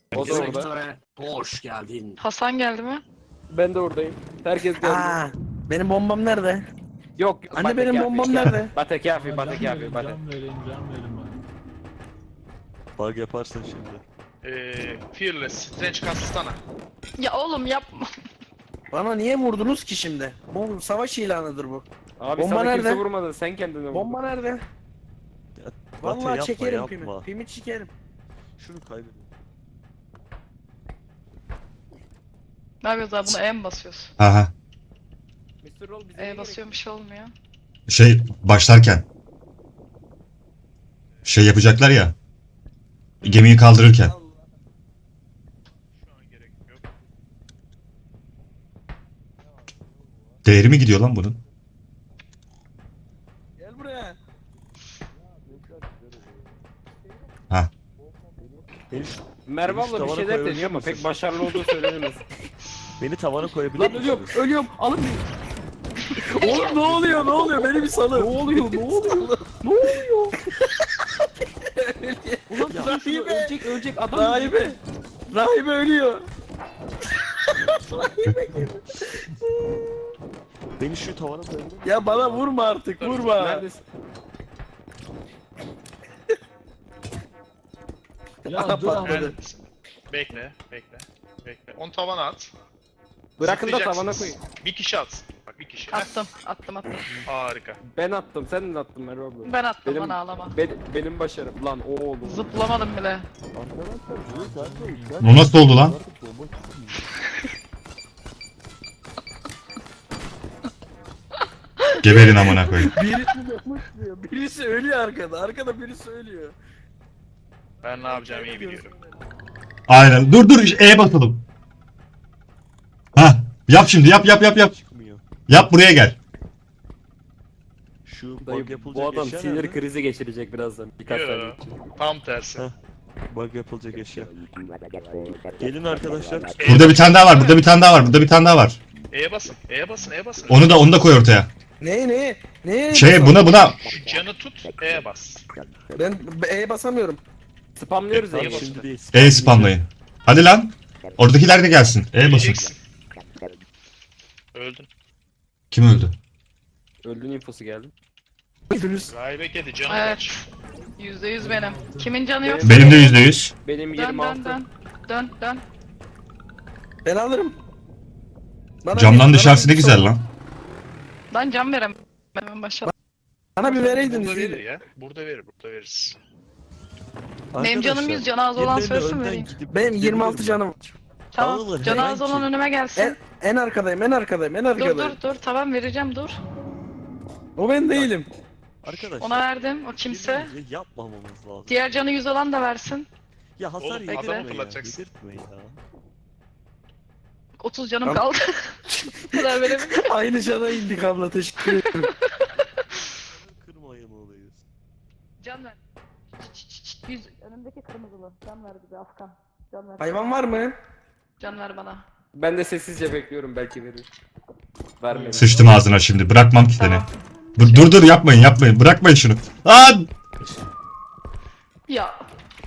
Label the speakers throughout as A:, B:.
A: O da orada.
B: Sektöre hoş geldin.
C: Hasan geldi mi?
A: Ben de oradayım. Herkes geldi.
D: Aa, benim bombam nerede?
A: Yok.
D: Anne, benim bombam nerede?
A: Bate kafi, bate
E: Can
A: kafi,
E: verin,
A: bate.
E: can verin, can verin bana.
F: Bug yaparsın şimdi.
G: Fearless, Strange Kastana.
C: Ya oğlum yapma.
D: Bana niye vurdunuz ki şimdi? Bu savaş ilanıdır bu.
A: Abi
D: Bomba
A: sana kimse
D: nerede?
A: vurmadı, sen kendine vurdun.
D: Bomba nerede?
F: Ya, Batu
D: Vallahi
F: yapma,
D: çekerim
F: yapma.
D: pimi. Pimi çekerim.
F: Şunu kaybediyorum.
C: Ne yapıyoruz abi, buna E mi basıyoruz?
H: Aha.
A: Mr. Roll bize
C: E basıyorum, bir şey olmuyor.
H: Şey başlarken. Şey yapacaklar ya. Gemiyi kaldırırken.
G: Şu an gerek yok.
H: Değeri mi gidiyor lan bunun?
D: Gel buraya.
H: Ha.
A: Merve abla bir
F: Tavana
A: şeyler
F: koyabilir
A: deniyor ama
F: misin?
A: pek başarılı olduğu söylenemez.
F: Beni tavana koyabilir
D: Lan
F: misin?
D: ölüyorum, ölüyorum. Alın beni. Oğlum ne oluyor, ne oluyor? Beni bir salın.
A: Ne oluyor, ne oluyor?
D: Ne oluyor?
A: Ulan
D: Ya,
A: dur şunu,
D: rahibe.
A: ölecek adam.
D: Rahibe. Rahibe ölüyor. Rahibe geliyor.
F: Beni şu tavana koyabilir misin?
D: Ya bana vurma artık, vurma.
A: Neredesin?
E: Ya dur ama.
D: Patladı.
G: Neredesin? Bekle, bekle. Bekle. Onu tavana at.
A: Bırakın da tavana
G: Zıplayacaksınız.
A: koyun.
G: Bir kişi at. Bak bir kişi. Heh,
C: Attım.
G: harika.
A: Ben attım, sen de attın Merve abla.
C: Ben attım,
A: Benim-
C: bana ağlama.
A: Benim başarım. Lan oğlum.
C: Zıplamadım bile.
H: Bu nasıl oldu lan? Geberin amına koyayım.
D: Birisi ölüyor arkada. Arkada birisi ölüyor.
G: Ben ne yapacağımı iyi biliyorum.
H: Aynen. Dur dur E basalım. Ha, yap şimdi yap.
F: Çıkmıyor.
H: Yap buraya gel.
F: Şu
A: Dayı,
F: bug yapılacak
A: bu adam
F: eşya
A: sinir
F: nerede?
A: krizi geçirecek birazdan. Birkaç
G: Yo,
A: saniye için.
G: tam tersi.
F: Heh. Bug yapılacak eşya. Gelin arkadaşlar.
H: Burada bir tane daha var. Burada bir tane daha var. Burada bir tane daha var.
G: E'ye basın, E'ye basın, E'ye basın.
H: Onu da koy ortaya.
D: Ne?
H: Şey buna.
G: Şu canı tut, E'ye bas.
D: Ben E'ye basamıyorum.
A: Spamlıyoruz
F: Tamam,
A: ya.
F: şimdi değil.
H: E spamlayın. Hadi lan. Oradakiler de gelsin. E basın.
G: Öleceksin. Öldün.
H: Kim öldü?
A: Öldüğün infosu geldi.
G: Rahibe kedi canı
C: Evet.
G: kaç.
C: %100 benim. Kimin canı yok?
H: Benim de %100.
A: Benim
C: Dön
A: 26.
C: dön.
D: Ben alırım.
H: Camdan dışarısı ne güzel lan.
C: Lan can verem. Ben başladım.
D: Bana bir vereydiniz
G: Burada verir
D: iyiydi.
G: ya. Burada verir, burada veririz.
C: Benim canım
F: Arkadaşlar,
C: 100, canı az olan
F: birilerine
C: söylesin
F: önden
C: vereyim.
F: gidip
D: Benim 26
F: gidebilirim
D: canım.
C: Tamam.
F: Alın,
C: Canı az
F: herhangi-
C: olan önüme gelsin.
D: En arkadayım, en arkadayım, en
C: Dur
D: arkadayım.
C: dur tamam vereceğim dur.
D: O ben değilim.
F: Arkadaşlar.
C: Ona verdim, o kimse.
F: birbirimize yapmamamız lazım.
C: Diğer canı 100 olan da versin.
F: Ya hasar
G: Oğlum,
F: yedirtme
C: adamı
F: ya.
G: fırlatacaksın.
F: Yedirtme ya.
C: 30 canım
D: Tamam.
C: kaldı. Bu kadar verebilirim.
D: Aynı cana indik abla, teşekkür ederim.
F: Kırmayın olayız.
C: Can ver. 100 önümdeki kırmızılı. Can ver bize Afgan. Can ver.
D: Hayvan var mı?
C: Can ver bana.
A: Ben de sessizce bekliyorum, belki verir. Vermedi.
H: Sıçtım ağzına şimdi. Bırakmam ki seni.
C: Tamam.
H: Dur yapmayın. Bırakmayın şunu. Lan!
C: Ya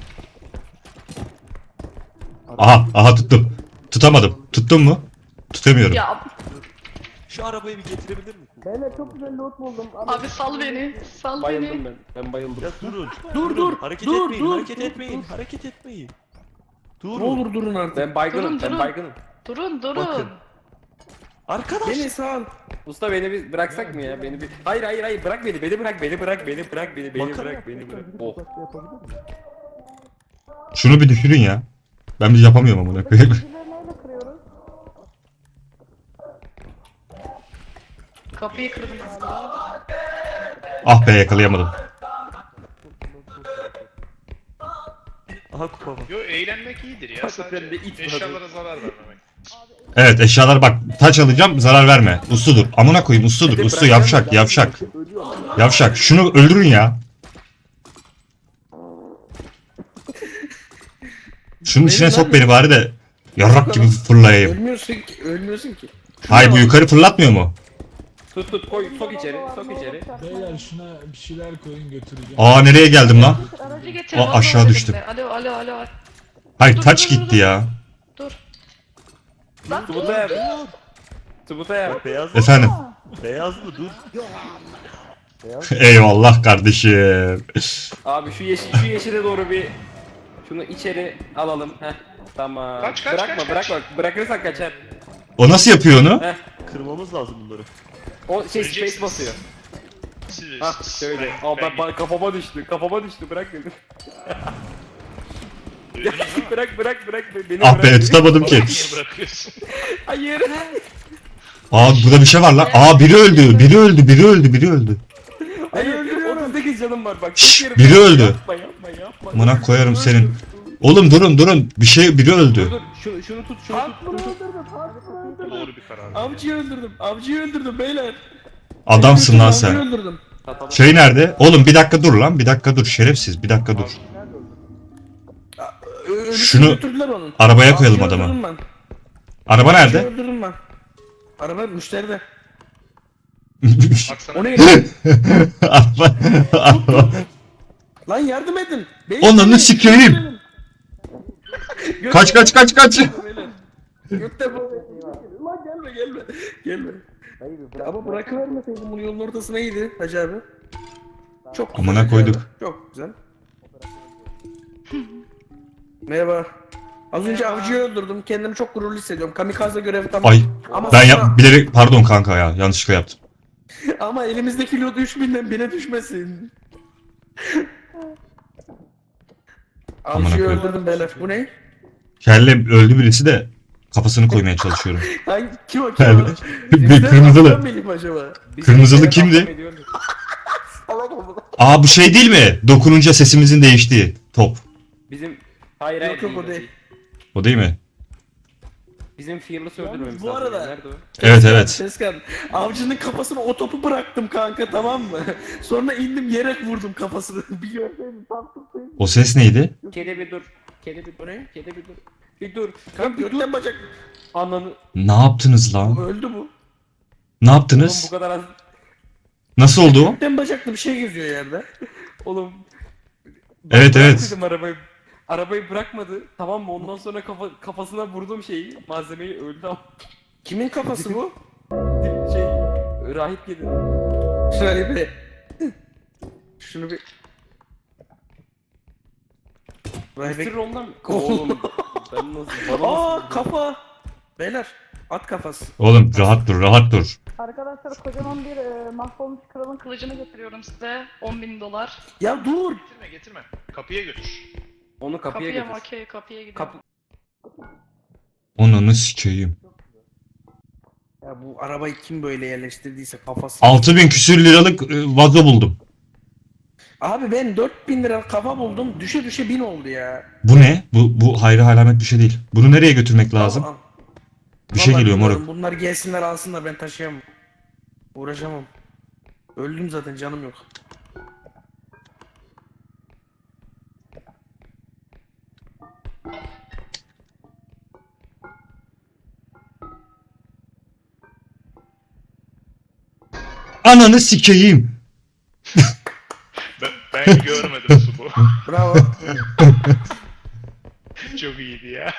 H: Aha tuttum. Tutamadım. Tuttun mu? Tutamıyorum.
C: ya
F: Şu arabayı bir getirebilir misin?
D: Beyler çok güzel loot buldum.
C: abi sal beni. Sal
A: Bayıldım
C: beni.
A: ben bayıldım.
F: Ya durun.
D: Dur,
F: Hareket
D: dur,
F: etmeyin.
D: dur,
F: Hareket
D: dur,
F: etmeyin.
D: dur.
F: Hareket etmeyin.
D: Ne
F: Durun.
D: olur durun artık.
A: Ben baygınım,
C: Durun.
A: ben baygınım.
C: Durun.
F: Bakın. Arkadaş.
D: Beni sağ.
A: Usta beni bir bıraksak mı ya? Beni bir... Hayır, bırak beni bırak, beni bırak,
F: Makara
A: beni bırak. Oh.
H: Şunu bir düşürün ya. Ben bir yapamıyorum amına koyayım.
C: Kapıyı kırdım galiba.
H: Ah be yakalayamadım.
F: Aha kupa bak.
G: Yo eğlenmek iyidir ya.
A: Hakikaten de it
G: Sadece
A: var.
G: eşyalara zarar vermemek.
H: Evet eşyalar bak. Taç alacağım zarar verme. Usludur. Amına koyayım usludur. Uslu yavşak. Yavşak. Şunu öldürün ya. Şunun içine sok beni bari de. Yarrak gibi fırlayayım.
D: Ölmüyorsun ki.
H: Hay bu yukarı fırlatmıyor mu?
A: Tut koy, sok içeri.
E: Beyler şuna bir şeyler koyun götüreceğim.
H: Aa nereye geldim lan?
C: Aracı getirin.
H: O
C: oğlum
H: aşağı
C: elimde.
H: düştüm.
C: Alo.
H: Hayır
C: Dur,
H: taç
C: dur,
H: gitti
C: dur.
H: ya.
C: Dur. Lan dur.
A: Tubuta yap. Tubuta yap.
F: Beyaz mı?
H: Efendim.
F: Beyaz mı? Dur.
H: Eyvallah kardeşim.
A: Abi şu yeşile doğru bir şunu içeri alalım. Heh. Tamam.
G: Kaç,
A: bırakma
G: kaç,
A: bırakma. Bırakırsan kaçar.
H: O nasıl yapıyor onu?
A: Heh.
F: Kırmamız lazım bunları.
A: O space
G: Öleceksiniz.
A: basıyor.
G: Siz
A: Hah şöyle. Aa kafama düştü. Kafama düştü. Bırak beni.
G: Duydunuz değil mi?
A: bırak beni.
H: Ah
A: bırak.
H: be tutamadım ki.
G: Niye bırakıyorsun?
A: Hayır.
H: Aa burada bir şey var lan. Aa biri öldü. Biri öldü.
A: Hayır öldürüyorum. 38 canım var bak.
H: Şşş,
A: çekerim.
H: biri öldü.
A: Yapma.
H: Amına koyarım senin. Oğlum durun. Biri öldü.
A: Dur şunu tut.
G: Doğru bir karar.
A: Avcıyı öldürdüm beyler.
H: Adamsın lan sen.
A: Öldürdüm.
H: Şey nerede? Oğlum bir dakika dur lan. Bir dakika dur şerefsiz. Bir dakika dur. Şunu
A: götürdüler onun.
H: arabaya koyalım
A: Avcıyı
H: adamı.
A: öldürdüm ben.
H: Araba
A: Avcıyı
H: nerede?
A: öldürdüm ben. Araba müşteride.
G: Baksana.
A: O ne?
H: Araba.
A: Lan yardım edin. Beyler,
H: Onunu sikeyim. Kaç.
A: Gökte bu. Lan gelme. Ama bırakıvermeseydim bunu yolun ortasına iyiydi Hacı abi. Çok güzel.
H: Amına
A: Hacı
H: koyduk.
A: abi, çok güzel. Merhaba. Az önce avcıyı öldürdüm. Kendimi çok gururlu hissediyorum. Kamikaze görevi tamam.
H: Ay
A: Ama
H: ben
A: sonra-
H: bilerek pardon kanka ya yanlışlıkla yaptım.
A: Ama elimizdeki loot 3000'den 1000'e düşmesin.
H: Amına
A: Avcıyı
H: koyayım.
A: öldürdüm beyler. Bu ne?
H: Kelle öldü birisi de kafasını koymaya çalışıyorum.
A: Hangi kim o?
H: Bir kırmızılı.
A: Benim acaba?
H: Kırmızılı kimdi? Aa bu şey değil mi? Dokununca sesimizin değiştiği top.
A: Bizim hayır
C: Yok,
A: değil,
C: o değil.
H: O değil mi?
A: Bizim Fearless öldürmemiz
C: bu
A: lazım.
C: arada-
A: Nerede o?
H: Evet.
A: Seskan, avcının kafasına o topu bıraktım kanka tamam mı? Sonra indim yere vurdum kafasını. Bir görseydin tam tutsaydın.
H: O ses neydi?
A: Kedi bir dur. Kedi bir dur. Kedi bir dur. Bir dur. Kanka götten bacak. Ananı.
H: Ne yaptınız lan?
A: Öldü bu.
H: Ne
A: Oğlum
H: yaptınız?
A: bu kadar az.
H: Nasıl oldu o?
A: Götten bacaklı bir şey geziyor yerde. Oğlum.
H: Evet,
A: bırak
H: evet.
A: dedim arabayı. Arabayı bırakmadı. Tamam mı? Ondan sonra kafasına vurdum şeyi. Malzemeyi öldü ama. Kimin kafası bu? Şey. Rahip yedi. Şöyle bir. Şunu bir. Rahip ondan mı? Oğlum. Ben nasıl? Aa kafa. Beyler. At kafası.
H: Oğlum rahat dur.
C: Arkadaşlar kocaman bir mahvolmuş kralın kılıcını getiriyorum size. 10.000 dolar.
A: Ya dur.
G: Getirme. Kapıya götür.
A: Onu kapıya
C: Kapıya mı?
A: götür.
C: Okey, kapıya gidelim.
A: Kapı.
H: Onunu sikeyim.
A: Ya bu arabayı kim böyle yerleştirdiyse kafası.
H: 6000 küsür liralık vazo buldum.
A: Abi ben 4000 lira kafa buldum. Düşe 1000 oldu ya.
H: Bu ne? Bu hayra alamet bir şey değil. Bunu nereye götürmek lazım?
A: Al.
H: Bir şey
A: Vallahi
H: geliyor
A: bilmiyorum,
H: moruk.
A: Bunlar gelsinler alsınlar ben taşıyamam. Uğraşamam. Öldüm zaten canım yok.
H: Ananı sikeyim.
G: Ben görmedim su bu.
A: Bravo.
G: Çok iyiydi ya.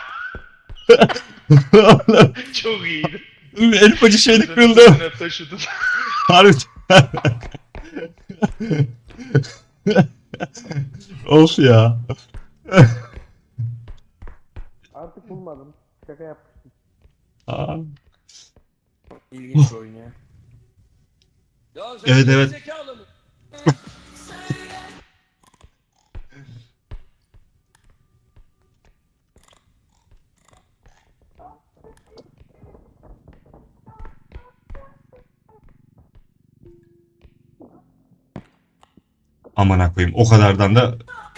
G: Çok iyiydi.
H: Elif acı şeylik kırıldı.
G: Üstüne taşıdın.
H: Harbi. Of ya.
A: Artık bulmadım. Şaka yapmıştım.
H: Aa.
A: İlginç bir oyun ya.
H: Evet. Amına koyayım. O kadardan da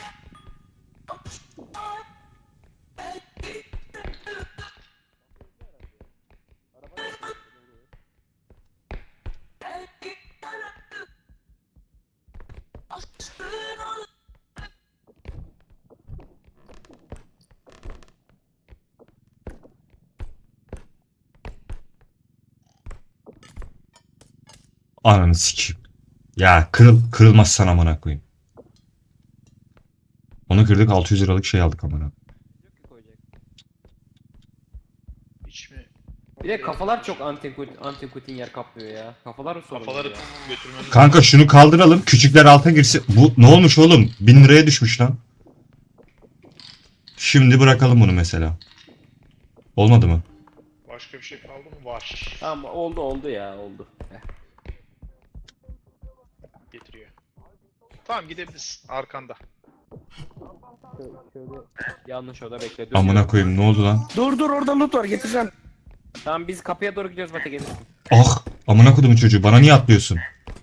H: ananı sikeyim. Ya kırılmazsan amına koyayım. Onu kırdık 600 liralık şey aldık amına.
G: Hiç mi?
A: Bir de kafalar çok antikutin yer kaplıyor ya. Kafalar sorun
G: Kafaları
A: ya.
G: götürmemiz
H: Kanka şunu kaldıralım. Küçükler alta girsin. Bu ne olmuş oğlum? 1000 liraya düşmüş lan. Şimdi bırakalım bunu mesela. Olmadı mı?
G: Başka bir şey kaldı mı? Var.
A: Tamam oldu ya oldu.
G: Getiriyor. Tamam gidebiliriz. Arkanda.
A: Şöyle yanlış oda bekle.
H: Amına koyayım ne oldu lan?
D: Dur orada loot var getireceğim.
A: Tamam biz kapıya doğru gidiyoruz Mate gelirsin.
H: Ah! Amına kodumun çocuğu bana niye atlıyorsun?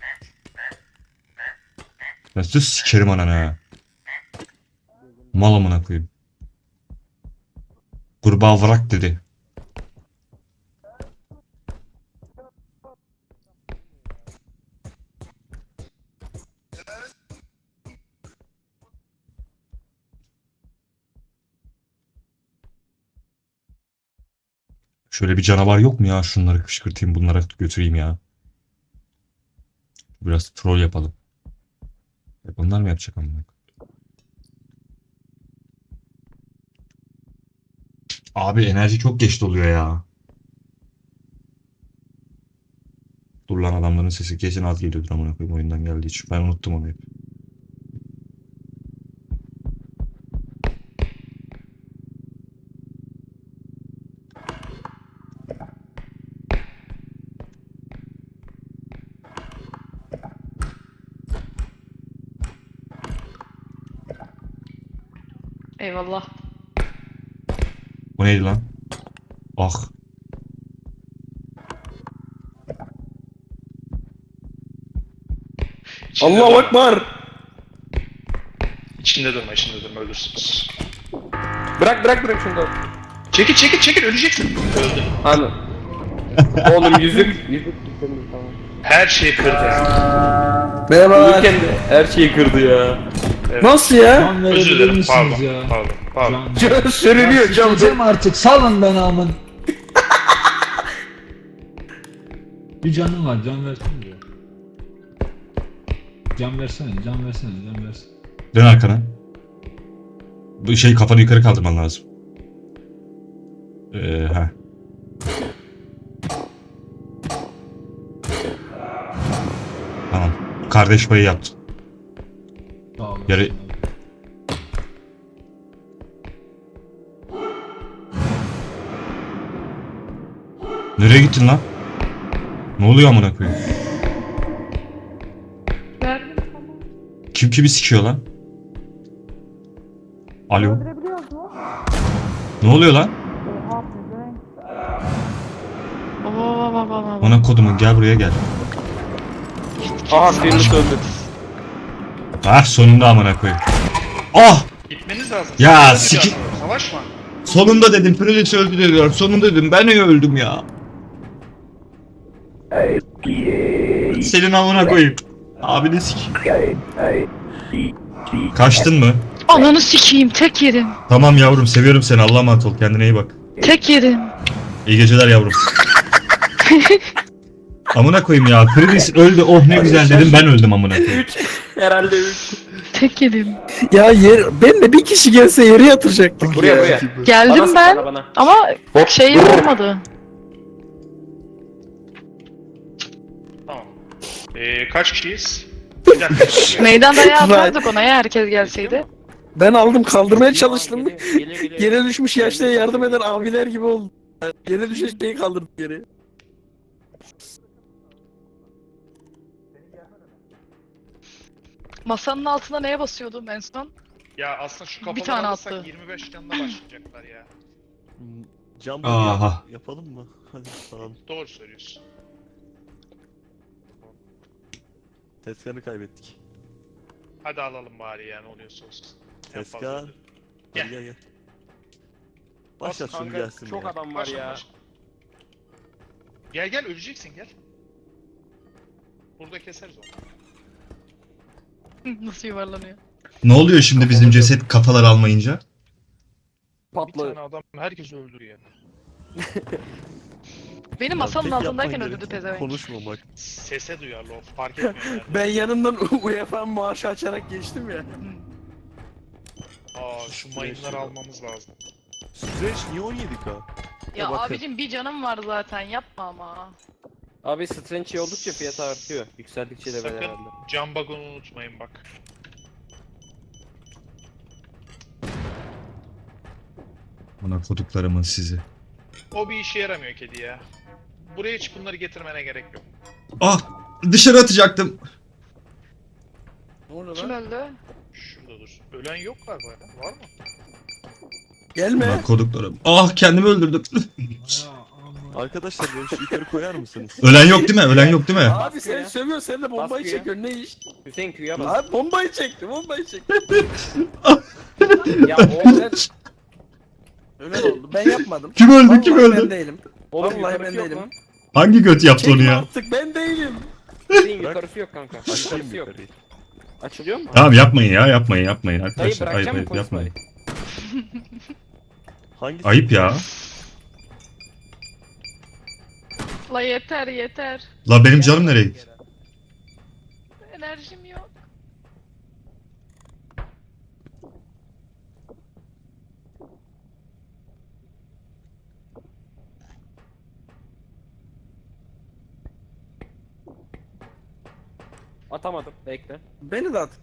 H: Nasıl sikerim ananı ha? Mal amına koyayım. Kurbağa vrak dedi. Şöyle bir canavar yok mu ya? Şunları kışkırtayım, bunlara götüreyim ya. Biraz troll yapalım. Hep onlar mı yapacak amına? Abi enerji çok geç doluyor ya. Dur lan adamların sesi kesin az geliyordur amına koyayım oyundan geldiği için. Ben unuttum onu hep.
C: Eyvallah.
H: Bu neydi lan? Ah.
G: İçinde
D: Allahu
G: durma.
D: Ekber.
G: İçinde durma ölürsünüz.
A: Bırak şunu da.
G: Çekil öleceksin. Öldü.
A: Anı. Oğlum yüzük tamam.
G: Her şeyi kırdı.
D: Merhaba.
A: Uyurken de her şeyi kırdı ya.
D: Nasıl ya?
E: Can
G: Özür
E: verebilir
G: dilerim
E: misiniz ya?
G: pardon.
E: Can.
D: Sürünüyor cam.
E: Sikeceğim artık salın beni amın. Bir canım var can versene diyor. Can versene.
H: Dön arkana. Bu şey kafanı yukarı kaldırman lazım. Ha. Tamam. Kardeş payı yaptın.
E: Sağ olasın.
H: Yarı- Nereye gittin lan? Ne oluyor amına koyayım?
C: Verdim tamam.
H: Kim kimi sikiyor lan? Alo.
C: Öldürebiliyoruz mu?
H: Ne oluyor lan?
C: Oha pezevenk. Baba.
H: Ona kodumun gel buraya gel.
A: Aha birini öldü.
H: Ah sonunda amına koyayım. Ah!
G: Gitmeniz lazım.
H: Ya,
G: Savaşma.
H: siki-
G: Savaşma.
H: Sonunda dedim Prince öldü diyor. Sonunda dedim ben niye öldüm ya? Senin amına koyayım. Abini sik. Kaçtın mı?
C: Ananı sikeyim tek yedim.
H: Tamam yavrum seviyorum seni. Allah'a emanet ol. Kendine iyi bak.
C: Tek yedim.
H: İyi geceler yavrum. Amına koyayım ya. Prince öldü. Oh ne güzel dedim. Ben öldüm amına koyayım.
A: Herhalde 3.
C: Tek yedim.
D: Ya ben de bir kişi gelse yere yatıracaktık
A: Buraya
D: ya.
A: buraya.
C: Geldim
A: Bana
C: ben
A: sık, bana.
C: ama şey olmadı.
G: Tamam. Kaç kişiyiz? Bir dakika.
C: Meydan dayağı atardık ona ya herkes gelseydi.
D: Ben aldım kaldırmaya çalıştım.
A: Geliyor.
D: Yere düşmüş yaşlıya yardım eden abiler gibi oldu. Yere düşen şeyi kaldırdık geri.
C: Masanın altına neye basıyordum en son?
G: Ya aslında şu kafaları
C: Bir tane
G: alırsak
C: attı.
G: 25 canla başlayacaklar ya.
F: Cam
H: Aha.
F: yapalım mı? Hadi tamam.
G: Doğru söylüyorsun.
F: Tezgahını kaybettik.
G: Hadi alalım bari ya ne oluyorsa olsun. En
F: Tezgah.
G: fazla.
F: Hadi gel. Başlat şunu
A: Kanka,
F: gelsin
A: çok
F: ya.
A: adam var ya.
G: Gel öleceksin gel. Burada keseriz onu.
C: Nasıl yuvarlanıyor?
H: Ne oluyor şimdi bizim ceset kafalar almayınca?
G: Bir tane
A: Patladı.
G: adam herkes öldürüyor.
C: Benim
F: Ya
C: masanın
F: tek
C: altındayken
F: yapman
C: öldürdü
F: gereken
C: pezevenk.
F: Konuşmamak.
G: Sese duyarlı o fark etmiyor yani.
D: Ben yanından UEFA maaşı açarak geçtim ya.
G: Aa şu mayınları almamız lazım.
F: Strange niye 17k?
C: Ya
F: bakın.
C: abicim bir canım var zaten yapma ama.
A: Abi Strange oldukça fiyatı artıyor. Yükseldikçe de
G: Sakın
A: herhalde.
G: cam bug'unu unutmayın bak.
H: Amına koduklarımın sizi.
G: O bir işe yaramıyor kedi ya. Buraya hiç bunları getirmene gerek yok.
H: Ah! Dışarı atacaktım.
D: Ne oluyor
C: Kim
D: lan?
C: öldü?
G: Şurada dur. Ölen yok galiba ya. Var mı?
D: Gelme.
H: Amına koduklarım. Ah kendimi öldürdüm.
F: Arkadaşlar beni şu yukarı koyar mısınız?
H: Ölen yok değil mi? Ölen yok değil mi?
D: Abi sen
A: ya.
D: sövüyorsun, sen de bombayı
A: Baskı ya.
D: çekiyorsun, ne iş?
A: Hüseyin Q'ya bas.
D: Abi bombayı çekti, bombayı çekti.
A: Ya oğlum.
D: Ölen oldu, ben yapmadım.
H: Kim öldü?
D: Vallahi
H: Kim
D: ben
H: öldü?
D: değilim.
A: Oğlum
D: Vallahi
A: yukarısı
D: ben
A: yok
D: değilim.
A: lan.
H: Hangi göt yaptı onu
D: Çekme
H: ya?
D: artık, ben değilim.
A: Hüseyin yukarısı yok kanka.
F: Açayım
A: Yukarısı yok.
F: yukarıyı.
A: Açılıyor mu?
H: Tamam yapmayın ya, yapmayın
A: Dayı
H: arkadaşlar. Ayıp
A: bırakacak mı
H: ayıp
A: konuşmayı?
H: yapmayın.
F: Hangisi?
H: Ayıp ya.
C: La yeter yeter.
H: La benim canım nereye gitti?
C: Enerjim yok.
A: Atamadım. Bekle.
D: Beni de at.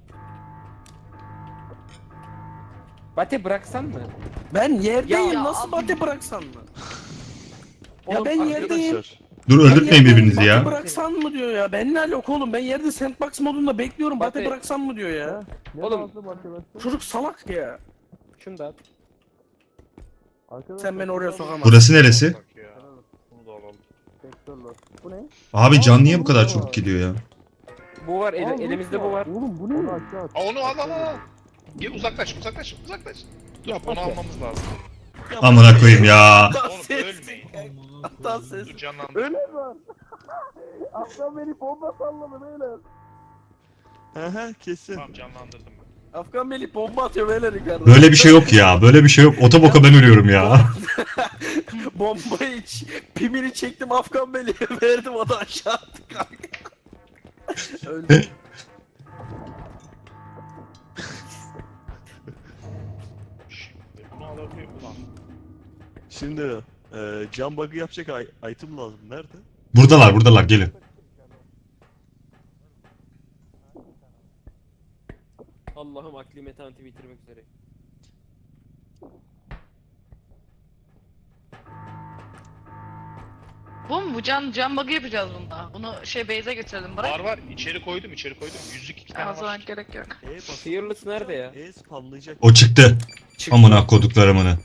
A: Bate bıraksan mı?
D: Ben yerdeyim,
C: Ya
D: nasıl
C: abi.
D: bate bıraksan mı? Ya
A: Oğlum,
D: ben yerdeyim.
F: Arkadaşlar.
H: Dur
D: Ben
H: öldürtmeyin
D: yerdeyim,
H: birbirinizi
D: Bate
H: ya.
D: bıraksan mı diyor ya. Ben ne alaka oğlum, ben yerde sandbox modunda bekliyorum. Bate
A: Bate-
D: bıraksan mı diyor ya.
A: Oğlum
D: Çocuk salak ya.
A: şunu da at.
D: Sen beni oraya sokamazsın.
H: Burası neresi?
G: Bak ya. Bunu da alalım.
D: Bu ne?
H: Abi can niye bu kadar çabuk gidiyor ya?
A: Bu var elimizde bu var.
D: Oğlum bu ne?
G: Aa, onu al. Gel uzaklaş. Dur onu almamız lazım.
H: Amına koyayım ya.
G: Oğlum ölmeyin.
D: Hatta ses.
G: Dur canlandır.
D: Öyle var. Afgan beni bomba salladı beyler.
F: Aha kesin.
G: Tamam canlandırdım ben.
D: Afgan Melih bomba atıyor beyler yukarıda.
H: Böyle bir şey yok ya. Böyle bir şey yok. Otoboka ben ölüyorum ya.
D: Bombayı pimini çektim Afgan Melih'e verdim, o da aşağı attı kanka. Öldü.
G: Şimdi bunu alabiliyor ulan.
F: Şimdi cam bug'ı yapacak item lazım. Nerede?
H: Buradalar gelin.
A: Allah'ım akli metaneti bitirmek üzere.
C: Bu mu? Bu can bug'ı yapacağız bunda. Bunu base'e götürelim bırak.
G: Var içeri koydum. Yüzlük 2
C: Ya,
G: tane
C: o zaman
G: var.
C: gerek yok.
F: Bas.
A: Fearless nerede ya?
F: Spamlayacak.
H: O çıktı. Amına koduklarımını.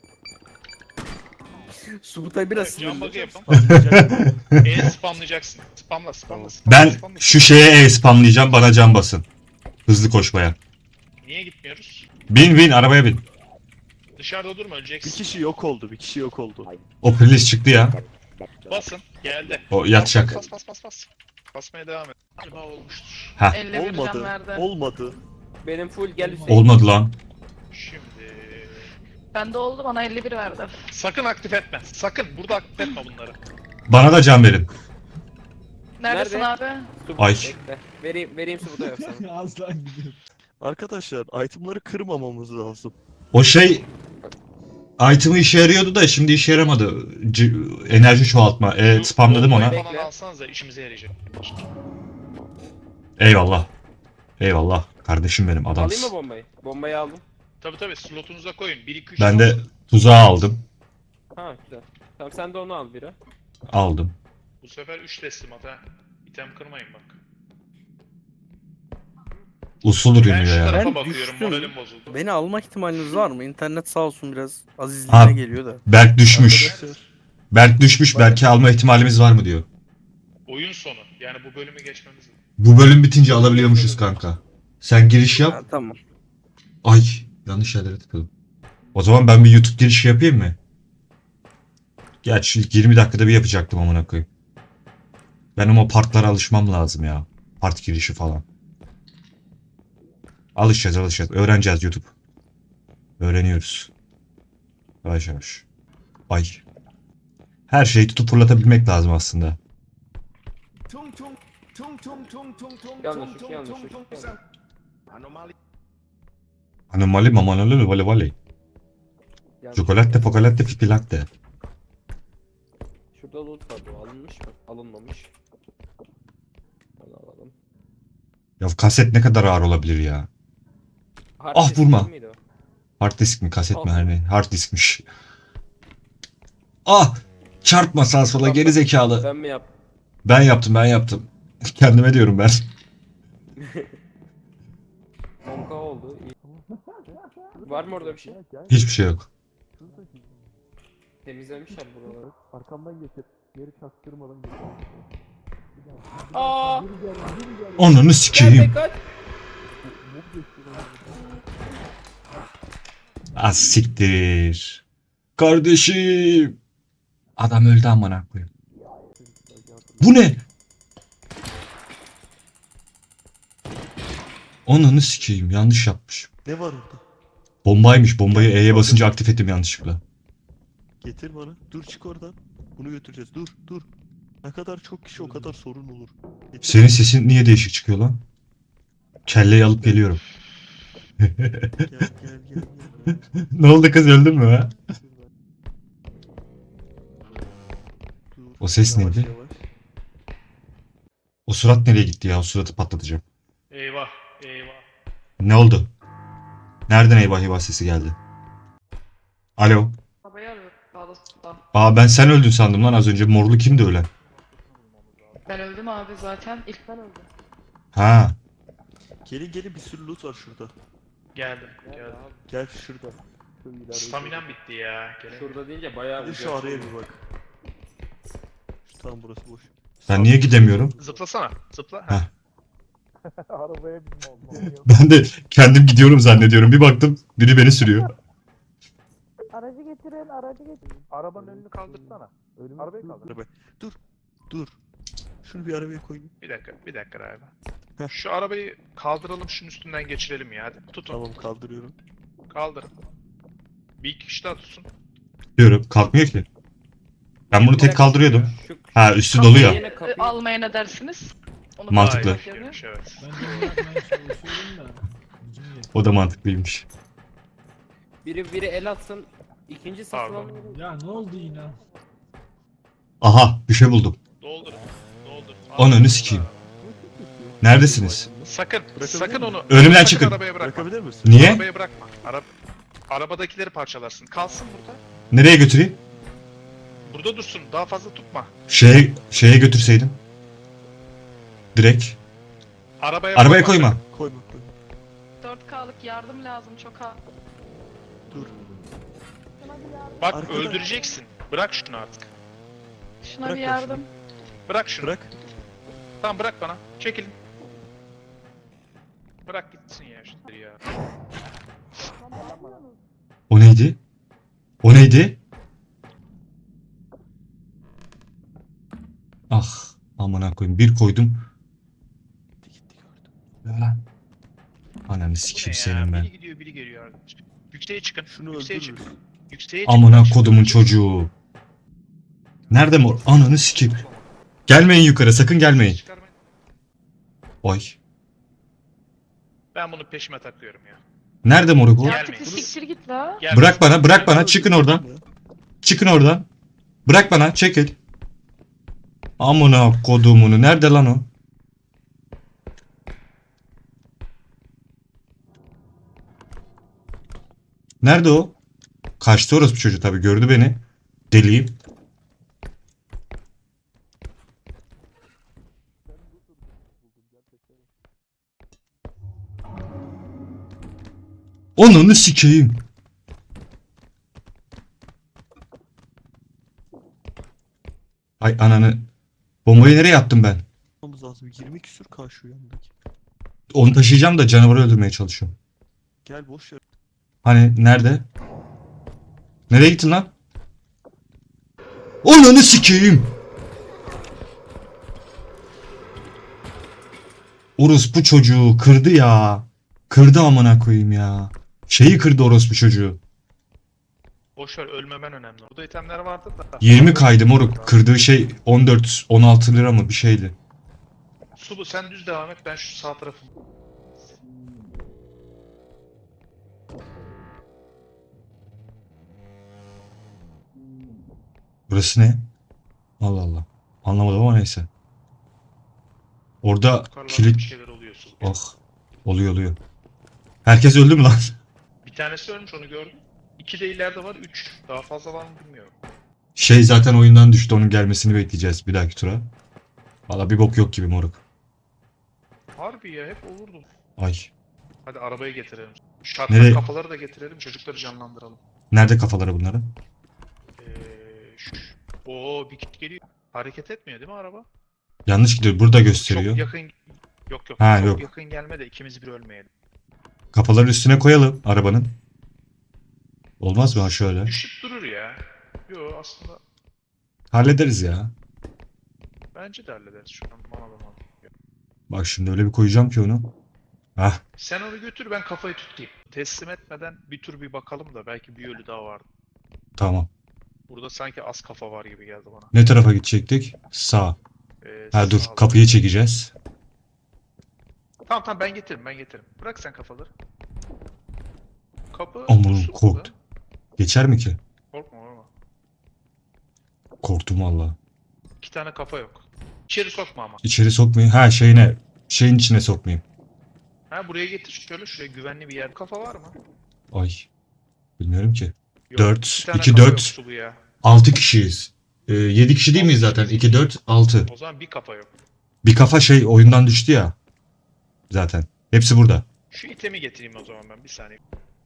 D: Subutay biraz
G: Cam bug'ı
D: sinirli.
G: yapın.
F: Spamlayacak.
G: Spamlayacaksın. Spamla.
H: Ben şu şeye spamlayacağım, bana can basın. Hızlı koşmaya.
G: Niye gitmiyoruz?
H: Bin arabaya bin.
G: Dışarıda durma
F: Bir
G: öleceksin.
F: kişi yok oldu. Bir kişi yok oldu.
H: O prilis çıktı ya.
G: Basın. Geldi.
H: O yatacak.
G: Bas. Basmaya devam et. Galiba olmuştur.
C: 51 can
F: Olmadı.
C: verdi.
F: Olmadı.
A: Benim full gel Hüseyin.
H: Olmadı lan.
G: Şimdi...
C: Bende oldu, bana 51 verdi.
G: Sakın aktif etme. Sakın. Burada aktif etme bunları.
H: Bana da can verin.
C: Neredesin
A: Nerede?
C: abi?
A: Subut,
H: Ay.
A: bekle. Vereyim Subut'a yapsana.
E: Aslan gidiyor.
F: Arkadaşlar itemları kırmamamız lazım.
H: O şey item'ı işe yarıyordu da şimdi işe yaramadı. Enerji çoğaltma. Spamladım ona.
G: Bombayı falan alsanıza işimize yarayacak.
H: Eyvallah. Eyvallah. Kardeşim benim
A: Alayım
H: adamsın.
A: mı bombayı? Bombayı aldım.
G: Tabii slotunuza koyun. 1-2-3
H: Ben de tuzağı aldım.
A: Ha güzel. Tamam sen de onu al bira.
H: Aldım.
G: Bu sefer 3 teslimat ha. İtem kırmayın bak.
H: Usul
G: Ben
H: ürünüyor
G: şu
H: ya.
G: tarafa
D: Ben
G: bakıyorum.
D: düştüm.
G: Moralim bozuldu.
D: Beni alma ihtimaliniz var mı? İnternet sağ olsun biraz
H: Ha.
D: azizliğine geliyor da.
H: Berk düşmüş.
F: Arkadaşlar.
H: Berk düşmüş. Berk'i alma ihtimalimiz var mı diyor.
G: Oyun sonu. Yani bu bölümü geçmemiz lazım.
H: Bu bölüm bitince alabiliyormuşuz kanka. Sen giriş yap.
D: Ha, tamam.
H: Ay yanlış yerlere tıkladım. O zaman ben bir YouTube girişi yapayım mı? Gerçi ilk 20 dakikada bir yapacaktım amına koyayım. Benim o partlara alışmam lazım ya. Part girişi falan. Alışacağız. Öğreneceğiz YouTube. Öğreniyoruz. Yavaş yavaş. Ay. Her şeyi tutup fırlatabilmek lazım aslında.
A: Yanlış.
H: Anomali mamanoli vale vale. Çikolate, fokolatte, fipilatte.
A: alınmamış bak. Alınmamış. Onu alalım.
H: Ya kaset ne kadar ağır olabilir ya.
A: Hard
H: Ah,
A: disk
H: vurma.
A: değil miydi o?
H: Hard disk mi kaset mi
A: Ah.
H: her ne? Hard diskmiş. Ah! Çarpma sağa sola geri zekalı.
A: Ben mi yaptım?
H: Ben yaptım. Kendime diyorum ben.
A: 10k oldu. İyi. Var mı orada bir şey?
H: Hiçbir şey yok.
A: Temizlemişler buraları.
F: Arkamdan getir. Geri çaktırmadan getir.
A: Aa!
H: Ananı
A: Gel
H: sikeyim.
A: be kaç!
H: Az siktir. Kardeşim. Adam öldü amına koyayım. Bu ne? Ananı sikeyim. Yanlış yapmış.
F: Ne var orada?
H: Bombaymış. Bombayı E'ye basınca aktif ettim yanlışlıkla.
F: Getir bana. Dur çık oradan. Bunu götüreceğiz. Dur dur. Ne kadar çok kişi o kadar sorun olur. Getir.
H: Senin sesin niye değişik çıkıyor lan? Kelleyi alıp geliyorum.
F: Gel gel gel gel.
H: Ne oldu kız, öldün mü ha?
F: Dur.
H: O ses
F: Yavaş
H: neydi?
F: yavaş.
H: O surat nereye gitti ya? O suratı patlatacağım.
G: Eyvah. Eyvah.
H: Ne oldu? Nereden eyvah eyvah sesi geldi? Alo.
C: Arabayı arıyorum. Sağda solda.
H: Aa, ben sen öldün sandım lan az önce. Morlu kimdi ölen?
C: Ben öldüm abi zaten. İlk ben öldüm.
H: Ha.
F: Gelin gelin, bir sürü loot var şurada.
G: Geldim. Geldim.
F: Gel şurada. Şu ileride.
G: Staminam bitti ya. Gelemiyorum.
A: Şurada deyince bayağı
F: Bir de şu
A: uzaksın.
F: araya bir bak. Şu tam burası boş.
H: Ben niye gidemiyorum?
G: Zıplasana. Zıpla.
H: Heh.
G: Ha.
H: Ben de kendim gidiyorum zannediyorum. Bir baktım biri beni sürüyor.
C: Aracı getirin, aracı getirin.
G: Arabanın önünü kaldırsana. Arabayı kaldır.
F: Araba. Dur. Dur. Şunu bir arabaya koyayım.
G: Bir dakika. Bir dakika abi.
F: Heh.
G: Şu arabayı kaldıralım. Şunun üstünden geçirelim ya. Hadi. Tutun.
F: Tamam, kaldırıyorum.
G: Kaldırın. Bir iki kişi daha tutsun.
H: Diyorum kalkmıyor ki. Ben bunu tek kaldırıyordum.
A: Şu
H: Ha, üstü dolu ya.
A: Yine kapıyı-
C: Almaya ne dersiniz? Onu
H: Mantıklı.
G: Vay,
C: bakıyorum.
G: girmiş, evet.
E: Ben de onu yapmaya çalışıyorum da. Gücüm yetmiyor.
H: O da mantıklıymış.
A: biri el atsın. İkinci satın
G: Pardon.
A: almayı.
E: Ya ne oldu yine?
H: Aha, bir şey buldum.
G: Doldur. Doldur.
H: Ananı sikeyim. Neredesiniz?
G: Sakın.
F: Bırakabilir
G: Sakın
F: miyim?
G: onu.
H: Önümden
G: sakın
H: çıkın.
G: Arabaya bırakma.
F: Bırakabilir misin?
H: Niye?
G: Arabaya bırakma. Arabadakileri parçalarsın. Kalsın burada.
H: Nereye götüreyim?
G: Burada dursun. Daha fazla tutma.
H: Şeye götürseydim. Direkt.
G: Arabaya
H: Arabaya
G: bırakma.
H: koyma.
F: Koyma koyma.
C: 4K'lık yardım lazım çok az.
F: Dur.
G: Bak
F: Arkada.
G: öldüreceksin. Bırak şunu artık.
C: Şuna
F: Bırak
C: bir
F: ya
C: yardım.
G: Bırak şunu.
F: Bırak.
G: Tamam bırak bana. Çekilin. Bırak gitsin ya şunları ya.
H: O neydi? O neydi? Ah, amına koyayım. Bir koydum.
F: Gitti gördüm.
H: Lan. Ananı
G: Bu
H: sikeyim
G: ne
H: senin
G: ya?
H: ben.
G: Biri gidiyor biri geliyor arkadaş. Yükseğe çıkın.
F: Şunu
G: Yükseğe
F: öldürürüz.
G: çıkın. Yükseğe çıkın.
H: Amına
G: Bak şimdi
H: kodumun
G: ölecek.
H: çocuğu. Nerede mor? Ananı sikeyim. Gelmeyin yukarı, sakın gelmeyin.
G: Çıkarmayın.
H: Oy.
G: Ben bunu peşime takıyorum ya.
H: Nerede moruk o?
C: Ya
G: Gelmeyin.
C: artık bir siktir git la.
G: Gel.
H: Bırak bana, çıkın oradan. Çıkın oradan. Bırak bana, çekil. Amına kodumunu, nerede lan o? Nerede o? Kaçtı orospu çocuğu tabii, gördü beni. Deliyim. Onunu sikeyim. Ay ananı. Bombayı nereye attım ben?
F: Yapmamız lazım. 20 küsür K şu yanındaki.
H: Onu taşıyacağım da canavarı öldürmeye çalışıyorum.
F: Gel boş ver.
H: Hani nerede? Nereye gittin lan? Onunu sikeyim. Orospu çocuğu kırdı ya. Kırdı amına koyayım ya. Şeyi kırdı orospu çocuğu.
G: Boşver ölmemen önemli. Burada itemler vardı da.
H: 20 kaydı moruk. Kırdığı şey 14-16 lira mı bir şeydi.
G: Sulu sen düz devam et. Ben şu sağ tarafı.
H: Burası ne? Allah Allah. Anlamadım ama neyse. Orada
G: Yukarılarda bir
H: kilit...
G: şeyler oluyorsun.
H: Oh. Oluyor. Herkes öldü mü lan?
G: Bir tanesi ölmüş onu gördüm. 2 de ileride var 3. Daha fazla var mı bilmiyorum.
H: Şey zaten oyundan düştü. Onun gelmesini bekleyeceğiz bir dahaki tura. Valla bir bok yok gibi moruk.
G: Harbi ya hep olurdu.
H: Ay.
G: Hadi arabayı getirelim. Şartlar
H: Nereye?
G: kafaları da getirelim çocukları canlandıralım.
H: Nerede kafaları bunların?
G: Oo bir kit geliyor. Hareket etmiyor değil mi araba?
H: Yanlış gidiyor. Burada
G: Çok
H: gösteriyor.
G: yakın... Yok
H: Ha,
G: çok
H: yok.
G: yakın gelme de ikimiz bir ölmeyelim.
H: Kafaları üstüne koyalım arabanın. Olmaz mı ha şöyle?
G: Düşüp durur ya. Yo aslında
H: Hallederiz ya.
G: bence de hallederiz şu an bana da mantıklı.
H: Bak şimdi öyle bir koyacağım ki onu. Hah.
G: Sen onu götür ben kafayı tutayım. Teslim etmeden bir tur bir bakalım da belki bir ölü daha vardı.
H: Tamam.
G: Burada sanki az kafa var gibi geldi bana.
H: Ne tarafa gidecektik? Sağ. Ha dur
G: Sağda.
H: kapıyı çekeceğiz.
G: Tamam ben getiririm. Bırak sen kafaları. Kapı
H: Aman
G: dursun
H: korktum.
G: burada.
H: Geçer mi ki?
G: Korkma.
H: Korktum valla.
G: 2 tane kafa yok. İçeri sokma ama.
H: İçeri sokmayayım. Ha şeyin içine sokmayayım.
G: Ha buraya getir şöyle şuraya güvenli bir yer. Kafa var mı?
H: Ay. Bilmiyorum ki.
G: Yok.
H: 4,
G: 2 tane
H: 2,
G: kafa
H: 4.
G: yok Sulu ya.
H: 6 kişiyiz. 7 kişi değil miyiz zaten? 2, 4, 6.
G: O zaman bir kafa yok.
H: Bir kafa şey oyundan düştü ya. Zaten. Hepsi burada.
G: Şu itemi getireyim o zaman ben bir saniye.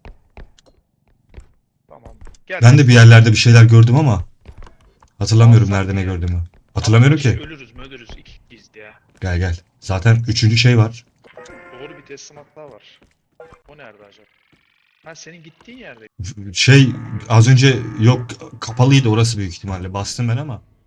G: Tamam. Gel.
H: Ben de bir yerlerde bir şeyler gördüm ama hatırlamıyorum
G: Alsak
H: nerede ne
G: mı ya?
H: gördüğümü. Hatırlamıyorum
G: Ama
H: ki.
G: Ölürüz ikiyiz ya.
H: Gel. Zaten 3. şey var.
G: Doğru bir teslimat daha var. O nerede acaba? Ha senin gittiğin yerde.
H: Şey az önce yok kapalıydı orası büyük ihtimalle. Bastım ben ama.